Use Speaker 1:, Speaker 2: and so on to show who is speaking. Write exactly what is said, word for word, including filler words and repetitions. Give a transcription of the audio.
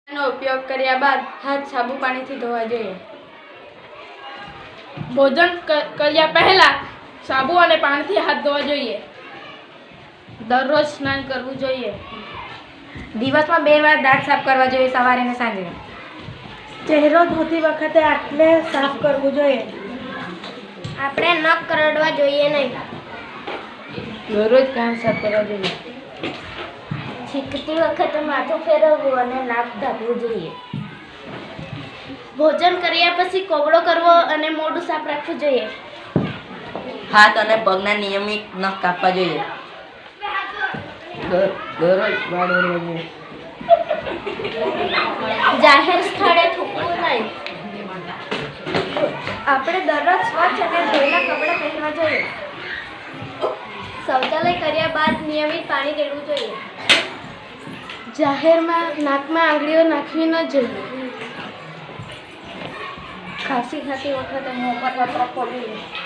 Speaker 1: નો ઉપયોગ કર્યા બાદ હાથ સાબુ પાણીથી ધોવા જોઈએ.
Speaker 2: ભોજન કર્યા પહેલા સાબુ અને પાણીથી હાથ ધોવા જોઈએ.
Speaker 1: દરરોજ સ્નાન કરવું જોઈએ.
Speaker 3: દિવસમાં બે વાર દાંત સાફ કરવા જોઈએ, સવારે અને સાંજે.
Speaker 4: ચહેરો ધોતી વખતે આટલે સાફ કરવું જોઈએ.
Speaker 5: આપણે નખ કરડવા જોઈએ નહીં.
Speaker 3: દરરોજ કાન સાફ કરવા જોઈએ.
Speaker 5: છીંકતી વખતે માથું ફેરવવું અને નાક ઢાંકવું જોઈએ. ભોજન કર્યા પછી કોગળો કરવો અને મોઢું સાફ રાખવું જોઈએ.
Speaker 3: હાથ અને પગના નિયમિત નખ કાપવા જોઈએ. દરરોજ વાળ ઓળવા જોઈએ.
Speaker 5: જાહેર સ્થળે થૂકવું નહીં. આપણે દરરોજ સ્વચ્છ અને ધોયેલા કપડાં પહેરવા જોઈએ. શૌચાલય કર્યા બાદ નિયમિત પાણી રેડવું જોઈએ.
Speaker 2: જાહેરમાં નાકમાં આંગળીઓ નાખવી ન જોઈએ.
Speaker 5: ખાંસી ખાતી વખતે મોં પર વપરાક કરવું જોઈએ.